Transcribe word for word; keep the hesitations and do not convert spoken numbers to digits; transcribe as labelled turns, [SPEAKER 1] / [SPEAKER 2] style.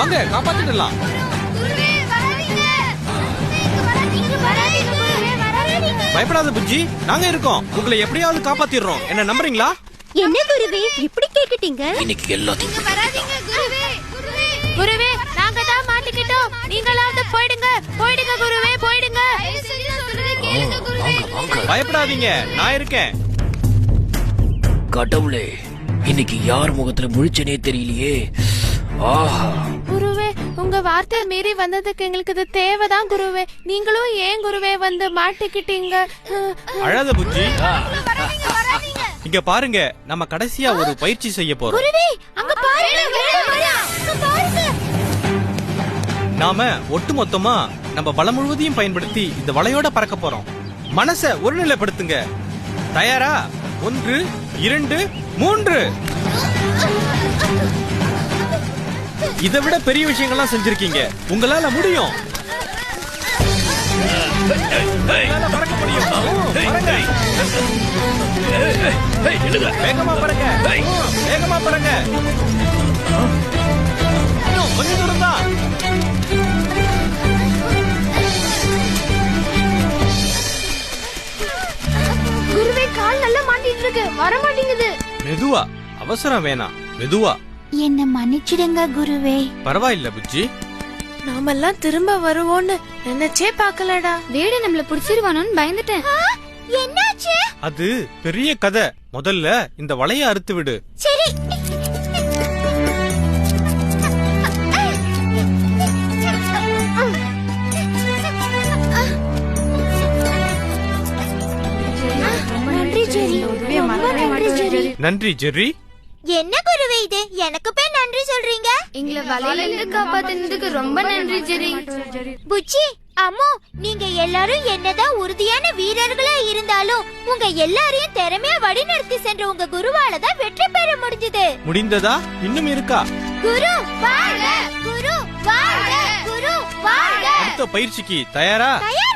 [SPEAKER 1] வாங்க காப்பாத்திடலாம். பயப்படாத புஜ்ஜி, நாங்க இருக்கோம். உங்களை எப்படியாவது காப்பாத்திடுறோம். என்ன நம்புறீங்களா?
[SPEAKER 2] என்ன குருவே இப்படி கேட்டுட்டீங்க?
[SPEAKER 3] இன்னைக்கு எல்லாத்தையும்
[SPEAKER 4] குருவே நாங்க தான் மாட்டிக்கிட்டோம். நீங்களாவது போயிடுங்க போயிடுங்க குருவே போயிடுங்க.
[SPEAKER 1] பயப்படாதீங்க, நான் இருக்கேன்.
[SPEAKER 3] கடவுளே, இன்னைக்கு யார் முகத்துல முழிச்சனே தெரியலையே. ஆஹா
[SPEAKER 4] குருவே, உங்க வார்த்தை மீறி வந்ததுக்கு எங்களுக்கு இது தேவைதான் குருவே. நீங்களும் ஏன் குருவே வந்து மாட்டிக்கிட்டீங்க?
[SPEAKER 1] அழாத புஜ்ஜி, இங்க பாருங்க, நம்ம கடைசியா ஒரு பயிற்சி செய்ய போறோம்.
[SPEAKER 2] குருவே அங்க பாருங்க.
[SPEAKER 1] நாம ஒட்டுமொத்தமா நம்ம பலம் முழுவதையும் பயன்படுத்தி இந்த வலையோட பறக்க போறோம். மனச ஒருநிலைப்படுத்துங்க. தயாரா? ஒன்று, இரண்டு, மூன்று. இதை விட பெரிய விஷயங்கள்லாம் செஞ்சிருக்கீங்க. உங்களால முடியும். பறக்க முடியும். வேகமா பறங்க, வேகமா பறங்க. கொஞ்சம் தூரம் தான்.
[SPEAKER 2] குருவே கால் நல்லா மாட்டிட்டு இருக்கு, வர மாட்டேங்குது.
[SPEAKER 1] மெதுவா, அவசரம் வேணாம், மெதுவா.
[SPEAKER 2] என்ன மன்னிச்சிடுங்க குருவே.
[SPEAKER 1] பரவாயில்ல புஜ்ஜி,
[SPEAKER 4] நாமெல்லாம் திரும்ப வருவோம்னு நினைச்சே பாக்கலடா.
[SPEAKER 2] வேடு நம்மள புடிச்சிருவானோன்னு பயந்துட்டேன். என்னாச்சு?
[SPEAKER 1] அது பெரிய கதை. முதல்ல இந்த வலைய அறுத்து விடு.
[SPEAKER 2] சரி. நன்றி ஜெரி.
[SPEAKER 1] நன்றி ஜெர்ரி.
[SPEAKER 2] என்ன குருவே இது? எனக்கு போய் நன்றி சொல்றீங்க?
[SPEAKER 4] எங்களை வலையில இருந்து காப்பாத்தினதுக்கு ரொம்ப நன்றி ஜெரி.
[SPEAKER 2] புச்சி, அம்மு, நீங்க எல்லாரும் என்னதான் உறுதியான வீரர்களா இருந்தாலும் உங்க எல்லாரையும் திறமையா வழிநடத்தி சென்ற உங்க குருவால தான் வெற்றி பெற முடிஞ்சது.
[SPEAKER 1] முடிந்ததா? இன்னும் இருக்கா?
[SPEAKER 2] குரு வாழ்க! குரு வாழ்க! குரு வாழ்க!
[SPEAKER 1] அடுத்த பயிற்சிக்கு தயாரா?
[SPEAKER 2] தயார்.